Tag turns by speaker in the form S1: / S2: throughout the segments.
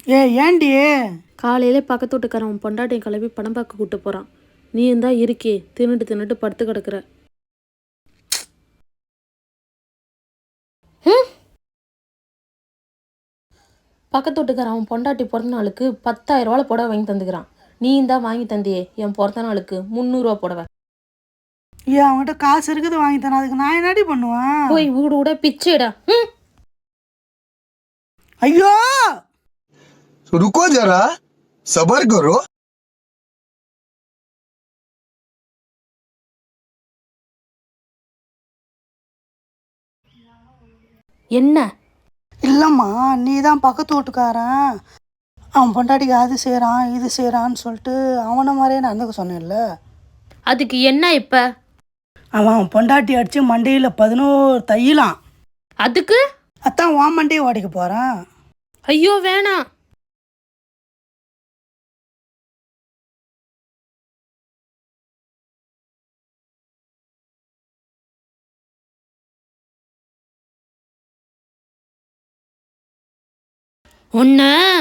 S1: ஏண்டி?
S2: காலையிலே பக்கத்து வீட்டுக்காரன் பொண்டாட்டியை கிளம்பி படம் பார்க்க கூப்பிட்டு போகிறான். நீ இருந்தா இருக்கே தின்னுட்டு தின்னுட்டு படுத்து கிடக்குற. பக்கத்து வீட்டுக்காரன் அவன் பொண்டாட்டி பிறந்த நாளுக்கு 10,000 ரூபாய் புடவை வாங்கி தந்துக்கிறான். நீ இருந்தா வாங்கி தந்தியே என் பிறந்த நாளுக்கு 300 ரூபா புடவை.
S1: அவன்கிட்ட காசு இருக்குது வாங்கி தானே, அதுக்கு நான் என்னடி பண்ணுவேன்?
S2: போய் வீடு விட பிச்சைடா.
S1: ஐயோ
S3: रुको जरा सबर करो.
S2: என்ன?
S1: இல்லைம்மா, நீ தான் பக்கத்து வீட்டுக்காரன் அவன் பொண்டாட்டிக்கு அது செய்கிறான் இது செய்கிறான்னு சொல்லிட்டு அவனை மாதிரியே நடந்துக்க சொன்னேன்ல.
S2: அதுக்கு என்ன இப்ப?
S1: அவன் பொண்டாட்டி அடித்து மண்டையில் 11 தையலாம்.
S2: அதுக்கு
S1: அதான் உன் மண்டையை ஓடிக்க போகிறான்.
S2: ஐயோ வேணாம். ஒன்ன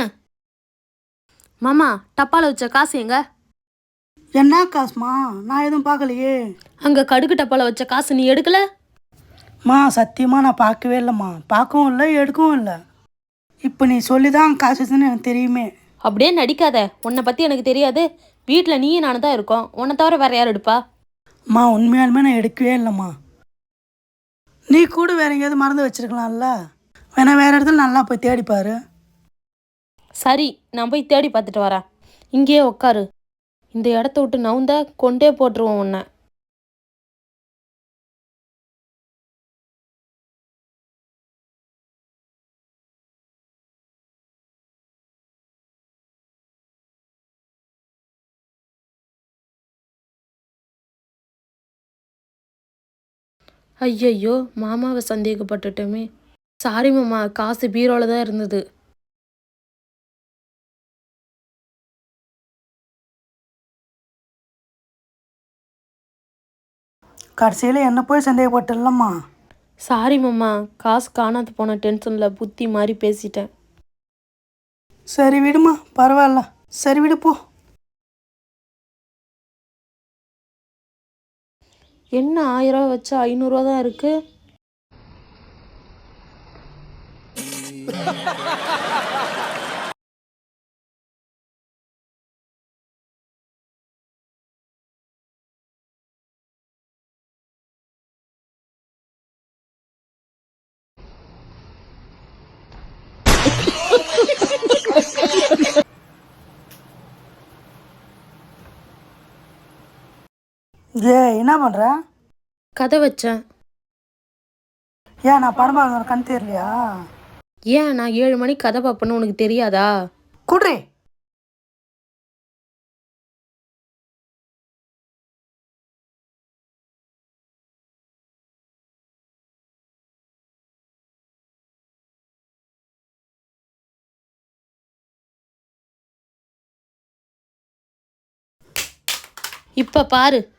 S2: மாமா டப்பால வச்ச காசு எங்க?
S1: என்ன காசுமா? நான் எதுவும் பார்க்கலையே.
S2: அங்க கடுகு டப்பால வச்ச காசு நீ எடுக்கல?
S1: சத்தியமாக நான் பார்க்கவே இல்லைம்மா. பார்க்கவும் இல்லை எடுக்கவும் இல்லை. இப்போ நீ சொல்லி தான் காசு வச்சுன்னு எனக்கு தெரியுமே.
S2: அப்படியே நடிக்காத. உன்னை பற்றி எனக்கு தெரியாது. வீட்டில் நீயும் நானும் தான் இருக்கோம். உன்னை தவிர வேற யார் எடுப்பா?
S1: உண்மையாலுமே நான் எடுக்கவே இல்லைம்மா. நீ கூட வேற எங்கேயாவது மறந்து வச்சிருக்கலாம்ல. வேணா வேற இடத்துல நல்லா போய் தேடிப்பாரு.
S2: சரி, நான் போய் தேடி பார்த்துட்டு வரேன். இங்கேயே உட்காரு. இந்த இடத்த விட்டு நவுந்தா கொண்டே போட்டுருவோம் உன்னை. ஐயையோ, மாமாவை சந்தேகப்பட்டுட்டோமே. சாரி மாமா, காசு பீரோல தான் இருந்தது.
S1: கடைசியில் என்ன போய் சந்தேகப்பட்டுலம்மா.
S2: சாரி மாமா, காசு காணாது போன டென்ஷனில் புத்தி மாதிரி பேசிட்டேன்.
S1: சரி விடுமா, பரவாயில்ல. சரி விடு போ.
S2: என்ன 1000 ரூபா வச்சா 500 ரூபா தான் இருக்கு.
S1: என்ன பண்ணுற?
S2: கதை வச்சேன்.
S1: நான் படம் பார்க்க கண் தெரியலையா?
S2: ஏன் நான் 7 மணிக்கு கதை பார்ப்பேன்னு உனக்கு தெரியாதா?
S1: குட்ரி.
S2: இப்ப பாரு.